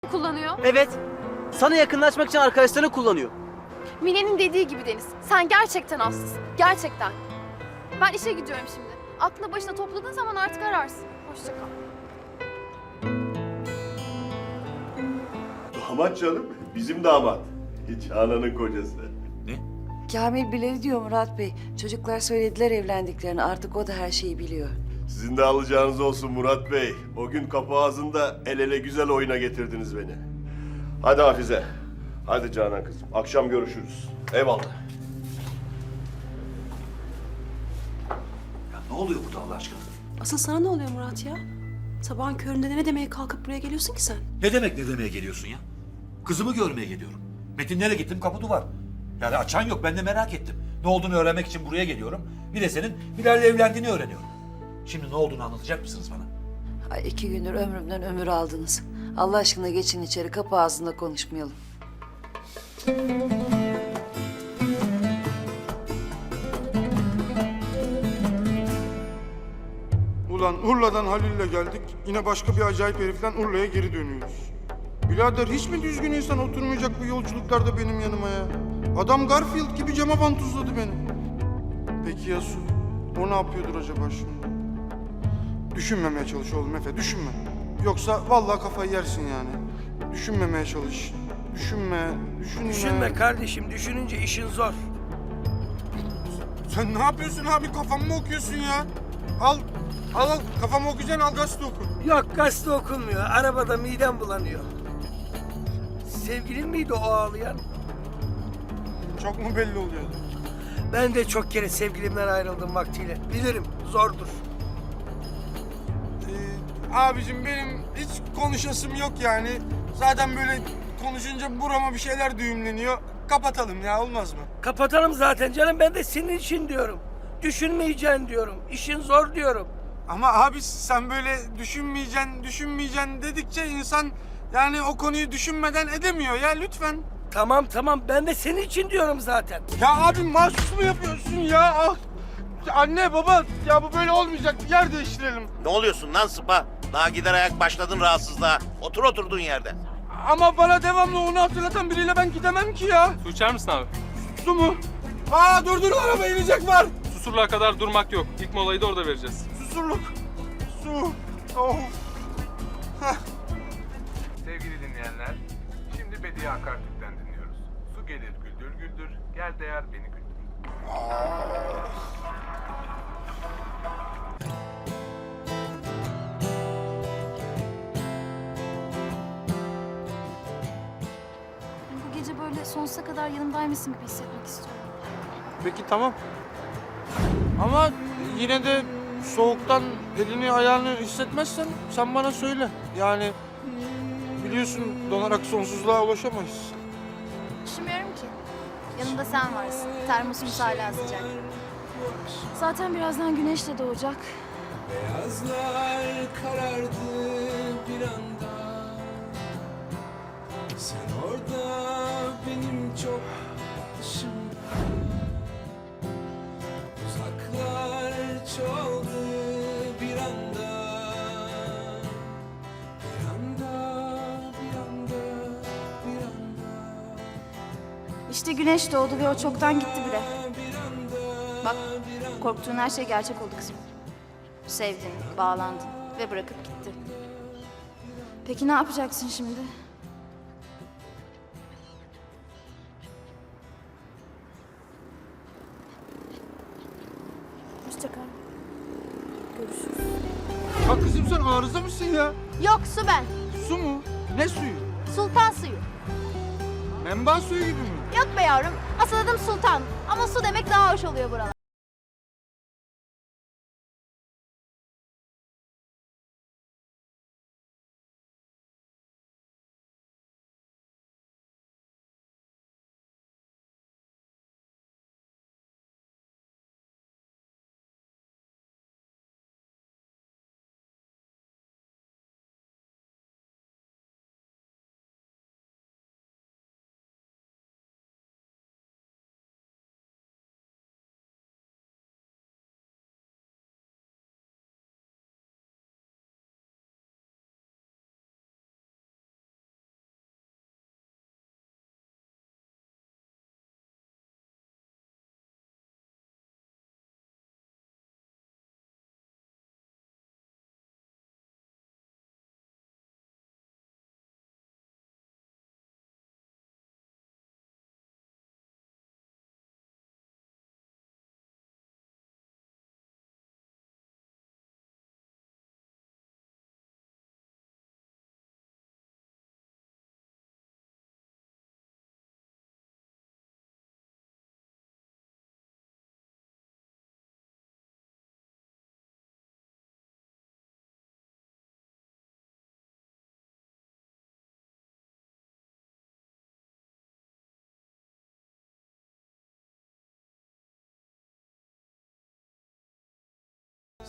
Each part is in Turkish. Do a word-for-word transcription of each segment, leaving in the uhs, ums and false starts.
kullanıyor. Evet. Sana yakınlaşmak için arkadaşlarını kullanıyor. Mine'nin dediği gibi Deniz. Sen gerçekten hastasın. Gerçekten. Ben işe gidiyorum şimdi. Aklını başına topladığın zaman artık ararsın. Hoşça kal. Damat canım, bizim damat. Canan'ın kocası. Kamil bileli diyor Murat Bey. Çocuklar söylediler evlendiklerini. Artık o da her şeyi biliyor. Sizin de alacağınız olsun Murat Bey. O gün kapı ağzında el ele güzel oyuna getirdiniz beni. Hadi Hafize. Hadi Canan kızım. Akşam görüşürüz. Eyvallah. Ya ne oluyor burada Allah aşkına? Asıl sana ne oluyor Murat ya? Sabahın köründe ne demeye kalkıp buraya geliyorsun ki sen? Ne demek ne demeye geliyorsun ya? Kızımı görmeye geliyorum. Metinlere gittim kapı duvar. Yani açan yok, ben de merak ettim. Ne olduğunu öğrenmek için buraya geliyorum. Bir de senin Bilal'le evlendiğini öğreniyorum. Şimdi ne olduğunu anlatacak mısınız bana? Ay iki gündür ömrümden ömür aldınız. Allah aşkına geçin içeri, kapı ağzında konuşmayalım. Ulan Urla'dan Halil'le geldik. Yine başka bir acayip heriften Urla'ya geri dönüyoruz. Birader hiç mi düzgün insan oturmayacak bu yolculuklarda benim yanıma ya? Adam Garfield gibi cama vantuzladı beni. Peki ya Su? O ne yapıyordur acaba şimdi? Düşünmemeye çalış oğlum Efe, düşünme. Yoksa vallahi kafayı yersin yani. Düşünmemeye çalış. Düşünme, düşünme. Düşünme kardeşim, düşününce işin zor. Sen ne yapıyorsun abi? Kafamı mı okuyorsun ya? Al, al, al. Kafamı okuyacaksın, al gazete oku. Yok, gazete okunmuyor. Arabada midem bulanıyor. Sevgilin miydi o ağlayan? Çok mu belli oluyordu? Ben de çok kere sevgilimden ayrıldım vaktiyle. Bilirim, zordur. Ee, abicim benim hiç konuşasım yok yani. Zaten böyle konuşunca burama bir şeyler düğümleniyor. Kapatalım ya, olmaz mı? Kapatalım zaten canım, ben de senin için diyorum. Düşünmeyeceksin diyorum, işin zor diyorum. Ama abi sen böyle düşünmeyeceksin, düşünmeyeceksin dedikçe insan yani o konuyu düşünmeden edemiyor ya, lütfen. Tamam tamam, ben de senin için diyorum zaten. Ya abi mahsus mu yapıyorsun ya? Ah. Anne baba ya bu böyle olmayacak, yer değiştirelim. Ne oluyorsun lan sıpa? Daha gider ayak başladın rahatsızlığa. Otur oturduğun yerde. Ama bana devamlı onu hatırlatan biriyle ben gidemem ki ya. Su içer misin abi? Su mu? Aa dur dur, araba inecek var. Susurluğa kadar durmak yok. İlk molayı da orada vereceğiz. Susurluk. Su. Of. Heh. Sevgili dinleyenler, şimdi Bediye Akartürk'ten dinliyoruz. Su gelir güldür güldür, gel değer beni güldür. Bu gece böyle sonsuza kadar yanımdaymışsın gibi hissetmek istiyorum. Peki tamam. Ama yine de soğuktan elini ayağını hissetmezsen sen bana söyle. Yani biliyorsun donarak sonsuzluğa ulaşamayız. Üşümüyorum ki. Yanımda sen varsın. Termosumuz hala sıcak. Zaten birazdan güneş de doğacak. Beyazlar karardı bir anda. Sen orada benim çok dışımda. Uzaklar çoğaldı bir anda. Bir anda, bir anda, bir anda. İşte güneş doğdu ve o çoktan gitti bile. Bak, korktuğun her şey gerçek oldu kızım. Sevdin, bağlandın ve bırakıp gitti. Peki ne yapacaksın şimdi? Hoşça kal. Görüşürüz. Ya kızım sen arıza mısın ya? Yok, su ben. Su mu? Ne suyu? Sultan suyu. Menba suyu gibi mi? Yok be yavrum. Asıl adım Sultan. Ama su demek daha hoş oluyor buralar.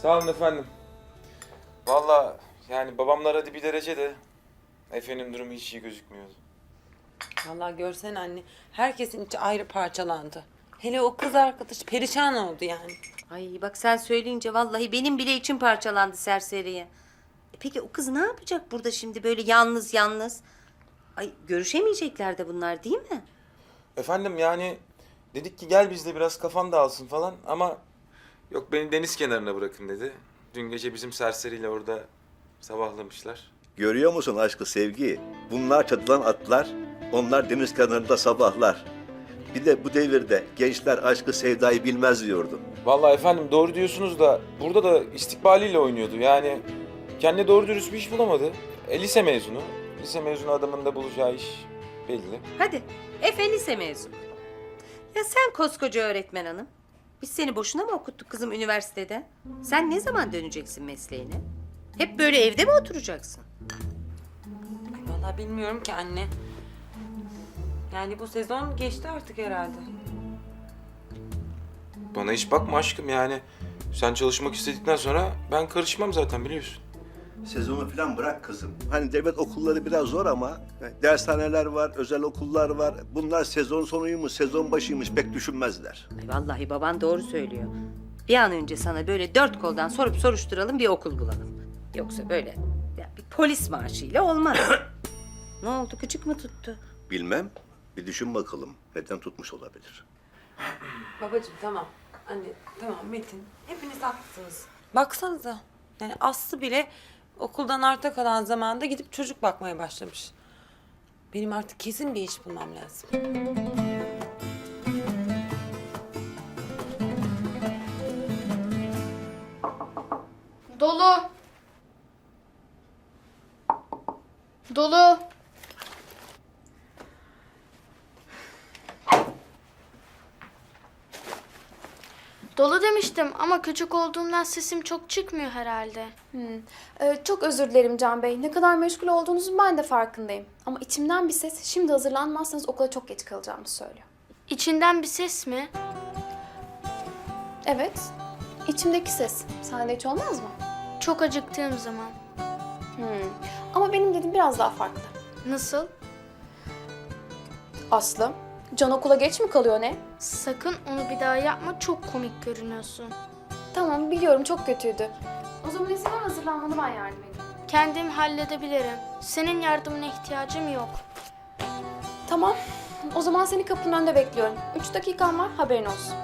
Sağ olun efendim. Vallahi yani babamlar hadi bir derece de Efe'nin durumu hiç iyi gözükmüyordu. Vallahi görsen anne, herkesin içi ayrı parçalandı. Hele o kız arkadaş perişan oldu yani. Ay bak sen söyleyince vallahi benim bile içim parçalandı serseriye. E peki o kız ne yapacak burada şimdi böyle yalnız yalnız? Ay görüşemeyecekler de bunlar değil mi? Efendim yani dedik ki gel bizde biraz kafan dağılsın falan ama yok beni deniz kenarına bırakın dedi. Dün gece bizim serseriyle orada sabahlamışlar. Görüyor musun aşkı sevgi? Bunlar çatılan atlar, onlar deniz kenarında sabahlar. Bir de bu devirde gençler aşkı sevdayı bilmez diyordu. Vallahi efendim doğru diyorsunuz da burada da istikbaliyle oynuyordu. Yani kendi doğru dürüst bir iş bulamadı. E, lise mezunu. Lise mezunu adamın da bulacağı iş belli. Hadi Efe lise mezunu. Ya sen koskoca öğretmen hanım. Biz seni boşuna mı okuttuk kızım üniversitede? Sen ne zaman döneceksin mesleğine? Hep böyle evde mi oturacaksın? Ay vallahi bilmiyorum ki anne. Yani bu sezon geçti artık herhalde. Bana hiç bakma aşkım yani. Sen çalışmak istedikten sonra ben karışmam zaten biliyorsun. Sezonu falan bırak kızım. Hani devlet okulları biraz zor ama dershaneler var, özel okullar var. Bunlar sezon sonuymuş, sezon başıymış pek düşünmezler. Ay vallahi baban doğru söylüyor. Bir an önce sana böyle dört koldan sorup soruşturalım bir okul bulalım. Yoksa böyle ya bir polis maaşıyla olmaz. Ne oldu gıcık mı tuttu? Bilmem. Bir düşün bakalım. Neden tutmuş olabilir? Babacığım tamam. Anne tamam Metin. Hepiniz haklısınız. Baksanıza. Yani Aslı bile okuldan arta kalan zamanda gidip çocuk bakmaya başlamış. Benim artık kesin bir iş bulmam lazım. Dolu. Dolu. Dolu demiştim ama küçük olduğumdan sesim çok çıkmıyor herhalde. Hmm. Ee, çok özür dilerim Can Bey. Ne kadar meşgul olduğunuzun ben de farkındayım. Ama içimden bir ses şimdi hazırlanmazsanız okula çok geç kalacağımı söylüyor. İçinden bir ses mi? Evet. İçimdeki ses. Sende hiç olmaz mı? Çok acıktığım zaman. Hmm. Ama benim dediğim biraz daha farklı. Nasıl? Aslı, Can okula geç mi kalıyor ne? Sakın onu bir daha yapma, çok komik görünüyorsun. Tamam biliyorum çok kötüydü. O zaman izin ver hazırlanmanı ben yardım edeyim. Kendim halledebilirim. Senin yardımına ihtiyacım yok. Tamam. O zaman seni kapının önünde bekliyorum. Üç dakikan var haberin olsun.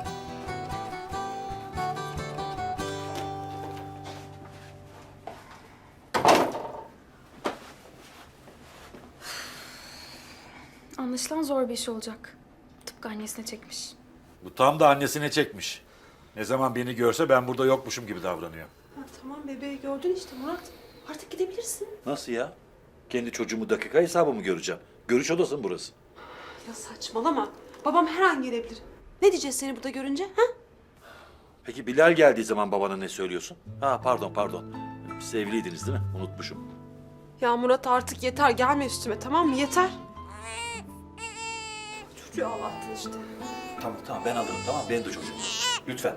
Anlaşılan zor bir iş olacak. Tıpkı annesine çekmiş. Bu tam da annesine çekmiş. Ne zaman beni görse ben burada yokmuşum gibi davranıyor. Ha, tamam bebeği gördün işte Murat. Artık gidebilirsin. Nasıl ya? Kendi çocuğumu dakika hesabı mı göreceğim? Görüş odası mı burası? Ya saçmalama. Babam her an gelebilir. Ne diyeceğiz seni burada görünce? Ha? Peki Bilal geldiği zaman babana ne söylüyorsun? Ha pardon pardon. Siz evliydiniz değil mi? Unutmuşum. Ya Murat artık yeter. Gelme üstüme tamam mı? Yeter. Çocuğu ağlattın işte. Tamam tamam ben alırım tamam benim de çocuğum. Lütfen.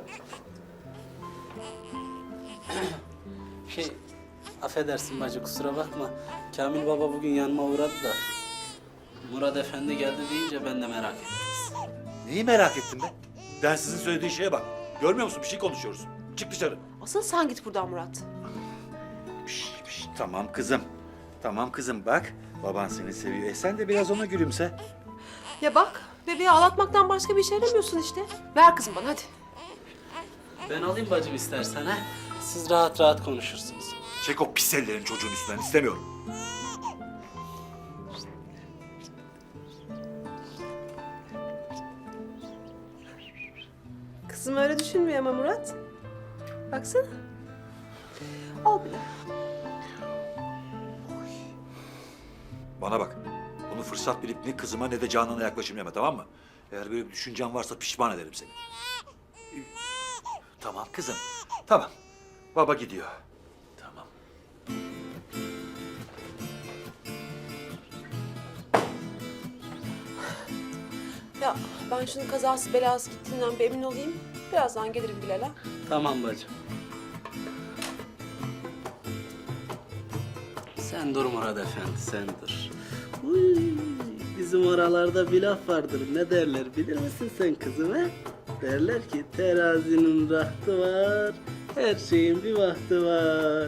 Şey, affedersin bacı kusura bakma. Kamil baba bugün yanıma uğradı da. Murat Efendi geldi deyince ben de merak ettim. Neyi merak ettin be? Ben sizin söylediği şeye bak. Görmüyor musun? Bir şey konuşuyoruz. Çık dışarı. Asıl sen git buradan Murat. Piş, piş. Tamam kızım. Tamam kızım bak. Baban seni seviyor. E sen de biraz ona gülümse. Ya bak bebeği ağlatmaktan başka bir şey yaramıyorsun işte. Ver kızım bana hadi. Ben alayım bacım istersen ha. Siz rahat rahat konuşursunuz. Çek o pis ellerini çocuğun üstünden. İstemiyorum. Kızım öyle düşünmüyor ama Murat. Baksana. Al bile. Bana bak. Bunu fırsat bilip ne kızıma ne de Canan'a yaklaşım yeme tamam mı? Eğer böyle bir düşüncen varsa pişman ederim seni. Tamam kızım. Tamam. Baba gidiyor. Tamam. Ya ben şunun kazası belası gittiğinden bir emin olayım. Birazdan gelirim Bilal'e. Tamam bacım. Sen dur Murat Efendi, sen dur. Uy, bizim oralarda bir laf vardır. Ne derler bilir misin sen kızım he? Derler ki terazinin rahtı var, her şeyin bir vakti var.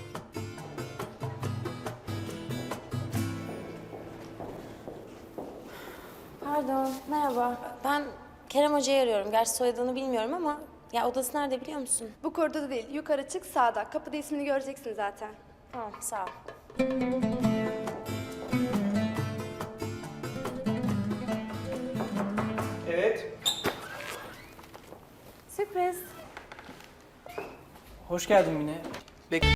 Pardon, merhaba. Ben Kerem Hoca'yı arıyorum. Gerçi soyadını bilmiyorum ama ya odası nerede biliyor musun? Bu koridorda değil, yukarı çık sağda. Kapıda ismini göreceksin zaten. Tamam, sağ ol. Evet. Sürpriz. Hoş geldin Mine. Bek